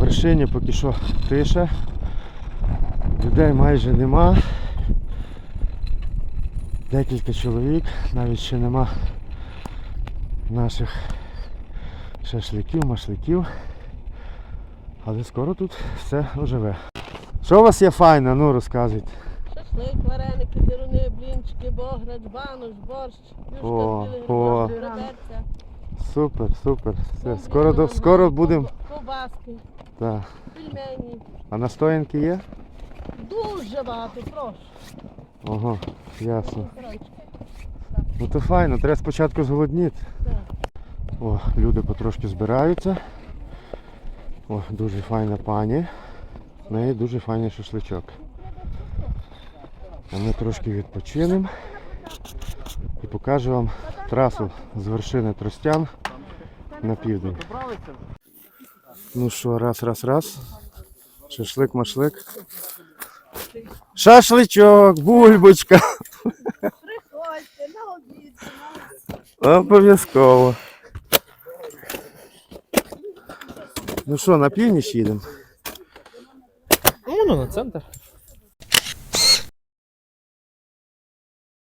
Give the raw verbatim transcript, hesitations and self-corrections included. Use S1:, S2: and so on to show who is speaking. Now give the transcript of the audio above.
S1: вершині поки що тиша. Людей майже нема. Декілька чоловік, навіть ще нема наших шашликів, машликів. Але скоро тут все оживе. Що у вас є файне? Ну розказуйте.
S2: Шашлик, вареники, деруни, блінчики, бограч, банош, борщ,
S1: О,
S2: юшка з
S1: о.
S2: білих реберця.
S1: Супер, супер. Все, скоро, до- скоро будемо.
S2: Ковбаски,
S1: Так.
S2: пельмені.
S1: А настоянки є?
S2: Дуже багато, прошу.
S1: Ого, ясно.
S2: Корончики.
S1: Ну то файно, треба спочатку зголодніти.
S2: Так.
S1: О, люди потрошки збираються. О, дуже файна пані. В неї дуже файний шашличок. А ми трошки відпочинемо і покажу вам трасу з вершини Тростян на південь. Ну що, раз, раз, раз. Шашлик, машлик. Шашличок, бульбочка.
S2: Приходьте на обід.
S1: Обов'язково. Ну що, на північ їдемо?
S3: Ну, на центр.